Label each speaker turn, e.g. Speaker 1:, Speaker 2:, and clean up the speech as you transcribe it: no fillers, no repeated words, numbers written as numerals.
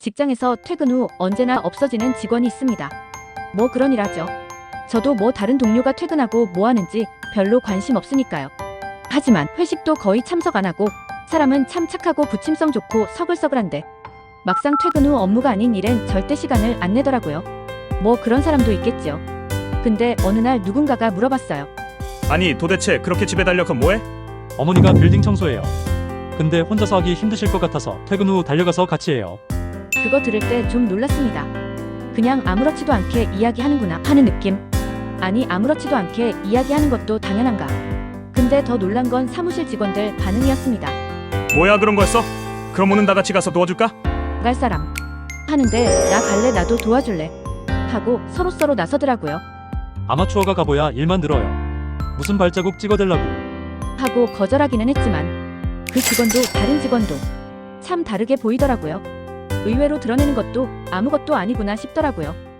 Speaker 1: 직장에서 퇴근 후 언제나 없어지는 직원이 있습니다. 뭐 그런 일하죠. 저도 뭐 다른 동료가 퇴근하고 뭐 하는지 별로 관심 없으니까요. 하지만 회식도 거의 참석 안 하고 사람은 참 착하고 부침성 좋고 서글서글한데 막상 퇴근 후 업무가 아닌 일엔 절대 시간을 안 내더라고요. 뭐 그런 사람도 있겠죠. 근데 어느 날 누군가가 물어봤어요.
Speaker 2: 아니 도대체 그렇게 집에 달려가 뭐해?
Speaker 3: 어머니가 빌딩 청소해요. 근데 혼자서 하기 힘드실 것 같아서 퇴근 후 달려가서 같이 해요.
Speaker 1: 그거 들을 때 좀 놀랐습니다. 그냥 아무렇지도 않게 이야기하는구나 하는 느낌. 아니 아무렇지도 않게 이야기하는 것도 당연한가. 근데 더 놀란 건 사무실 직원들 반응이었습니다.
Speaker 2: 뭐야 그런 거였어? 그럼 오늘 다 같이 가서 도와줄까?
Speaker 1: 갈 사람 하는데 나 갈래 나도 도와줄래 하고 서로서로 나서더라고요.
Speaker 3: 아마추어가 가봐야 일만 늘어요. 무슨 발자국 찍어달라고.
Speaker 1: 하고 거절하기는 했지만 그 직원도 다른 직원도 참 다르게 보이더라고요. 의외로 드러내는 것도 아무것도 아니구나 싶더라고요.